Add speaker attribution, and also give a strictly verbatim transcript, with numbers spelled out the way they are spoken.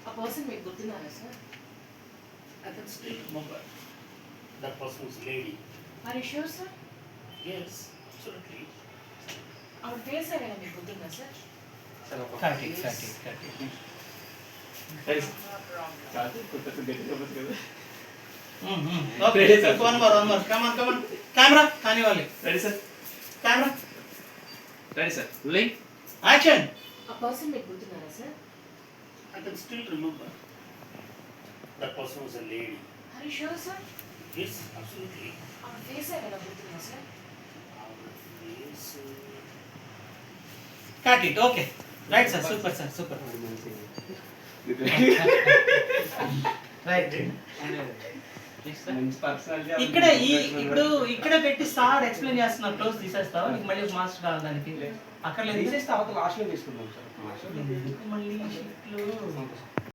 Speaker 1: A person మీకు గుర్తున్నారా sir?
Speaker 2: I can still remember that person's lady.
Speaker 1: Are you sure sir?
Speaker 2: Yes, absolutely.
Speaker 1: ఆవిడ face ఏమైనా మీకు గుర్తుందా sir?
Speaker 3: Cut it, cut it, cut it.
Speaker 4: కాదు కొత్త గట్టి చెప్పొచ్చు కదా.
Speaker 3: Okay, sir. One more, one more. Come on, come on. Camera, కానివ్వాలి.
Speaker 4: Ready sir,
Speaker 3: Camera,
Speaker 4: ready sir, rolling.
Speaker 3: action.
Speaker 1: A person మీకు గుర్తున్నారా sir?
Speaker 2: I can still remember that person was a lady.
Speaker 1: Are you sure sir?
Speaker 2: Yes, absolutely.
Speaker 1: ఆవిడ face ఏమైనా గుర్తుందా sir?
Speaker 2: Our face.
Speaker 3: Cut it, okay. Right sir, super sir, super. Right.
Speaker 4: మంచి personality.
Speaker 3: ఇక్కడే ఈ ఇప్పుడు ఇక్కడే పెట్టి సార్ ఎక్స్ప్లెయిన్ చేస్తున్నారు, క్లోజ్ తీసేస్తావా? నీకు మళ్ళీ మాస్టర్ కావాలి దానికి. అక్కడ
Speaker 4: తీసేస్తే అవతల లాస్ట్లో తీసుకుందాం సార్.
Speaker 3: మళ్ళీ షిఫ్ట్లు